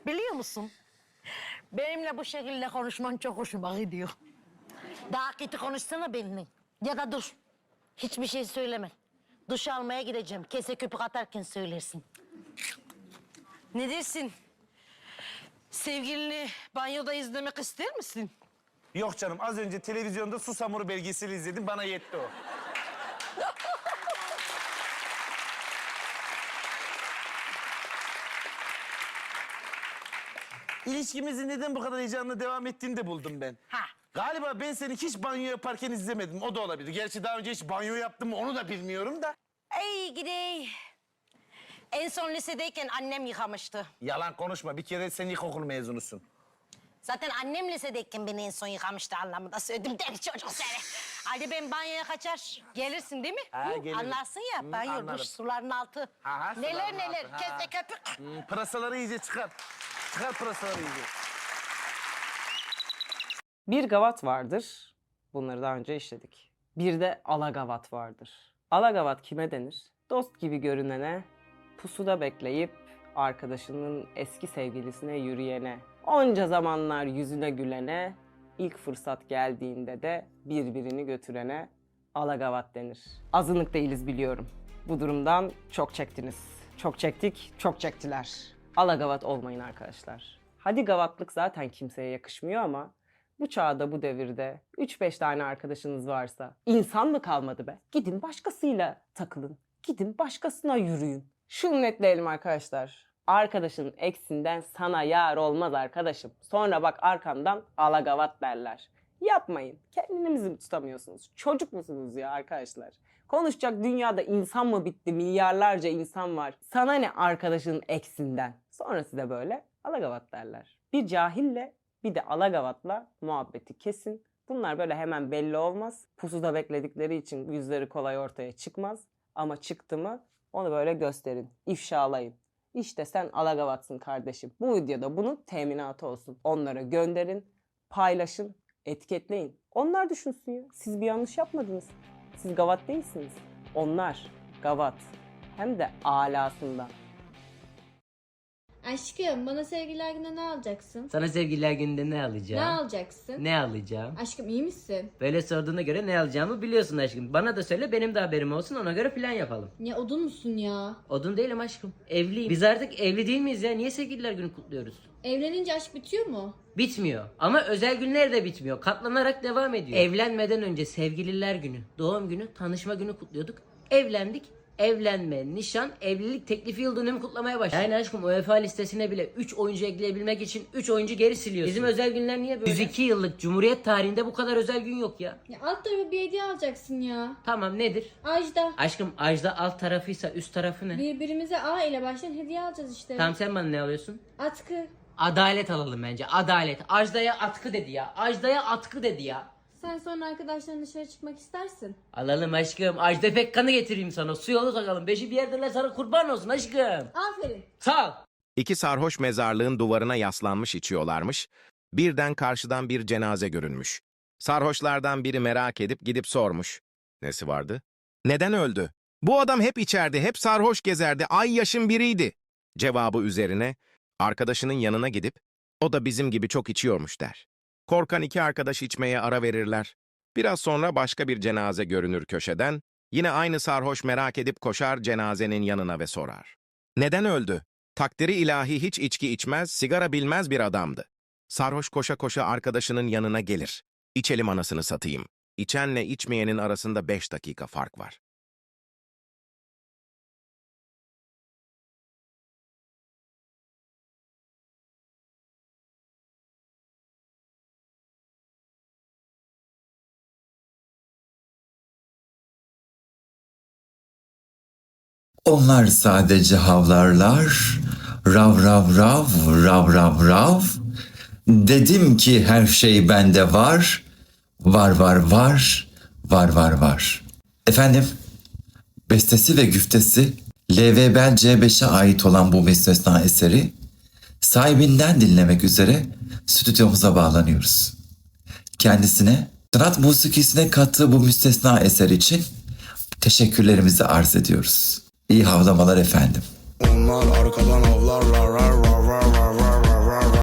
Biliyor musun? Benimle bu şekilde konuşman çok hoşuma gidiyor. Daha kötü konuşsana benimle. Ya da dur. Hiçbir şey söyleme. Duş almaya gideceğim. Kese köpük atarken söylersin. Ne dersin? Sevgilini banyoda izlemek ister misin? Yok canım, az önce televizyonda Susamuru belgeseli izledim, bana yetti o. İlişkimizin neden bu kadar heyecanla devam ettiğini de buldum ben. Ha. Galiba ben seni hiç banyo yaparken izlemedim, o da olabilir. Gerçi daha önce hiç banyo yaptım mı onu da bilmiyorum da. Ey gidey. En son lisedeyken annem yıkamıştı. Yalan konuşma, bir kere sen ilkokul mezunusun. Zaten annem lisedeyken beni en son yıkamıştı anlamında söyledim. Deli çocuk seni. Hadi ben banyoya kaçar. Gelirsin değil mi? Ha, Hı, gelirim. anlarsın ya banyo, anlarım. duş, suların altı. Ha, neler suların neler, altı, ha. kese köpük. Pırasaları iyice çıkar. Çıkar pırasaları iyice. Bir gavat vardır. Bunları daha önce işledik. Bir de alagavat vardır. Alagavat kime denir? Dost gibi görünene, pusuda bekleyip arkadaşının eski sevgilisine yürüyene, onca zamanlar yüzüne gülene, ilk fırsat geldiğinde de birbirini götürene alagavat denir. Azınlık değiliz biliyorum. Bu durumdan çok çektiniz. Çok çektik, çok çektiler. Alagavat olmayın arkadaşlar. Hadi gavatlık zaten kimseye yakışmıyor ama bu çağda, bu devirde 3-5 tane arkadaşınız varsa insan mı kalmadı be? Gidin başkasıyla takılın. Gidin başkasına yürüyün. Şunu netleyelim arkadaşlar. Arkadaşın eksinden sana yar olmaz arkadaşım. Sonra bak arkandan alagavat derler. Yapmayın. Kendinizi mi tutamıyorsunuz? Çocuk musunuz ya arkadaşlar? Konuşacak dünyada insan mı bitti? Milyarlarca insan var. Sana ne arkadaşının eksinden? Sonrası da böyle alagavat derler. Bir cahille bir de alagavatla muhabbeti kesin. Bunlar böyle hemen belli olmaz. Pusuda bekledikleri için yüzleri kolay ortaya çıkmaz. Ama çıktı mı onu böyle gösterin, ifşalayın. İşte sen alagavatsın kardeşim. Bu videoda bunun teminatı olsun. Onlara gönderin, paylaşın, etiketleyin. Onlar düşünsün ya. Siz bir yanlış yapmadınız. Siz gavat değilsiniz. Onlar gavat. Hem de alasından. Aşkım bana sevgililer gününe ne alacaksın? Sana sevgililer gününde ne alacağım? Ne alacaksın? Ne alacağım? Aşkım iyi misin? Böyle sorduğuna göre ne alacağımı biliyorsun aşkım. Bana da söyle, benim de haberim olsun, ona göre plan yapalım. Ya odun musun ya? Odun değilim aşkım. Evliyim. Biz artık evli değil miyiz ya? Niye sevgililer günü kutluyoruz? Evlenince aşk bitiyor mu? Bitmiyor. Ama özel günler de bitmiyor. Katlanarak devam ediyor. Evlenmeden önce sevgililer günü, doğum günü, tanışma günü kutluyorduk. Evlendik. Evlenme, nişan, evlilik teklifi yıl dönümü kutlamaya başladık. Yani aşkım UEFA listesine bile 3 oyuncu ekleyebilmek için 3 oyuncu geri siliyorsun. Bizim özel günler niye böyle? 102 yıllık Cumhuriyet tarihinde bu kadar özel gün yok ya. Ya alt tarafı bir hediye alacaksın ya. Tamam, nedir? Ajda. Aşkım Ajda alt tarafıysa üst tarafı ne? Birbirimize A ile başlayan hediye alacağız işte. Tamam, sen bana ne alıyorsun? Atkı. Adalet alalım bence. Adalet. Ajda'ya atkı dedi ya. Ajda'ya atkı dedi ya. Sen sonra arkadaşların dışarı çıkmak istersin. Alalım aşkım. Ajda Pekkan'ı getireyim sana. Su yolu takalım. Beşi bir yerdeler, sana kurban olsun aşkım. Aferin. Sağ ol. İki sarhoş mezarlığın duvarına yaslanmış içiyorlarmış. Birden karşıdan bir cenaze görünmüş. Sarhoşlardan biri merak edip gidip sormuş. Nesi vardı? Neden öldü? Bu adam hep içerdi, hep sarhoş gezerdi, ay yaşın biriydi. Cevabı üzerine arkadaşının yanına gidip o da bizim gibi çok içiyormuş der. Korkan iki arkadaş içmeye ara verirler. Biraz sonra başka bir cenaze görünür köşeden. Yine aynı sarhoş merak edip koşar cenazenin yanına ve sorar. Neden öldü? Takdiri ilahi hiç içki içmez, sigara bilmez bir adamdı. Sarhoş koşa koşa arkadaşının yanına gelir. İçelim anasını satayım. İçenle içmeyenin arasında 5 dakika fark var. Onlar sadece havlarlar, rav rav rav, rav rav rav. Dedim ki her şey bende var, var var var, var var var. Efendim, bestesi ve güftesi LVBL C5'e ait olan bu müstesna eseri sahibinden dinlemek üzere stüdyomuza bağlanıyoruz. Kendisine sanat musikisine kattığı bu müstesna eser için teşekkürlerimizi arz ediyoruz. İyi havlamalar efendim. Onlar arkadan avlarlar.